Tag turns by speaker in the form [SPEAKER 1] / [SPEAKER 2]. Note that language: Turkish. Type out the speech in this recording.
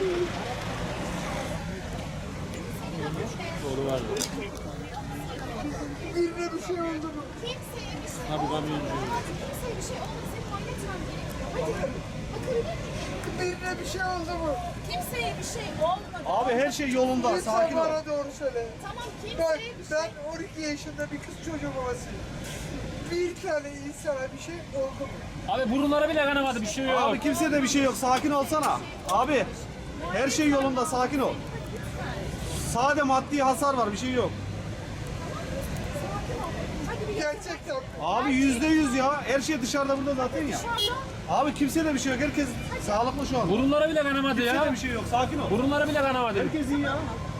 [SPEAKER 1] Doğru var.
[SPEAKER 2] Birine bir şey oldu mu?
[SPEAKER 3] Kimseye bir şey
[SPEAKER 1] Ha, bu
[SPEAKER 3] olmadı.
[SPEAKER 1] kamyoncu.
[SPEAKER 3] Kimseye bir şey olmadı. Senin halletmem gerekiyor. Hadi. Bakabilir miyim?
[SPEAKER 2] Birine bir şey oldu mu?
[SPEAKER 3] Kimseye bir şey olmadı.
[SPEAKER 4] Abi her şey yolunda.
[SPEAKER 2] Lütfen
[SPEAKER 4] Sakin ol.
[SPEAKER 2] bana doğru söyle.
[SPEAKER 3] Tamam
[SPEAKER 2] Ben,
[SPEAKER 3] kimseye bir şey.
[SPEAKER 2] ben 12 yaşında bir kız çocuğu babasıyım. Bir tane insana bir şey oldu mu?
[SPEAKER 1] Abi burunlara bile kanamadı, bir şey yok.
[SPEAKER 4] Abi kimseye de bir şey yok. Sakin olsana. Abi her şey yolunda. Sakin ol. Sade maddi hasar var. Bir şey yok.
[SPEAKER 3] Hadi bir
[SPEAKER 2] Gerçekten.
[SPEAKER 4] Abi %100 ya. Her şey dışarıda burada zaten ya.
[SPEAKER 3] şu anda
[SPEAKER 4] Abi kimseye de bir şey yok. Herkes sağlıklı şu an.
[SPEAKER 1] Burunlara bile kanamadı
[SPEAKER 4] Kimseye
[SPEAKER 1] ya.
[SPEAKER 4] de bir şey yok. Sakin ol.
[SPEAKER 1] Burunlara bile kanamadı.
[SPEAKER 4] Herkes iyi ya.